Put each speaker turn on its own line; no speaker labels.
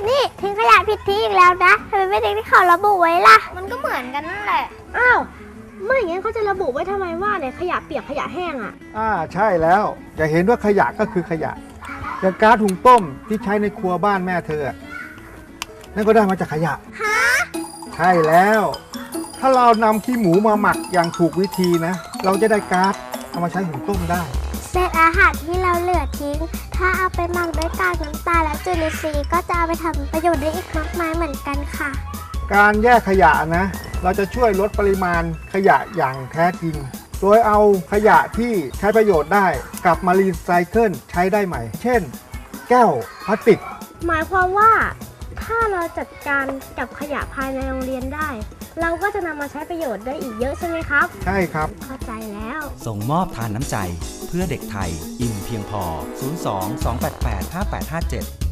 นี่ทิ้งขยะผิดที่อีกแล้วนะทำไมไม่ทิ้งที่เขาระบุไว้ล่ะมันก็เหมือนกันนั่นแหละ
อ้าวไม่อย่างนั้นเขาจะระบุไว้ทำไมว่าเนี่ยขยะเปียกขยะแห้งอ่ะ
ใช่แล้วจะเห็นว่าขยะก็คือขยะอย่างก๊าซหุงต้มที่ใช้ในครัวบ้านแม่เธอนั่นก็ได้มาจากขยะใช่แล้วถ้าเรานำขี้หมูมาหมักอย่างถูกวิธีนะเราจะได้ก๊าซเอามาใช้หุงต้มได้
เศษอาหารที่เราเหลือทิ้งถ้าเอาไปหมักด้วยกากน้ำตาลและจุลินทรีย์ก็จะเอาไปทำประโยชน์ได้อีกมากมายเหมือนกันค่ะ
การแยกขยะนะเราจะช่วยลดปริมาณขยะอย่างแท้จริงโดยเอาขยะที่ใช้ประโยชน์ได้กลับมารีไซเคิลใช้ได้ใหม่เช่นแก้วพลาสติก
หมายความว่าถ้าเราจัดการกับขยะภายในโรงเรียนได้เราก็จะนำมาใช้ประโยชน์ได้อีกเยอะใช่ไหมครับ
ใช่ครับ
เข้าใจแล้ว
ส่งมอบทานน้ำใจเพื่อเด็กไทยอิ่มเพียงพอ02 288 5857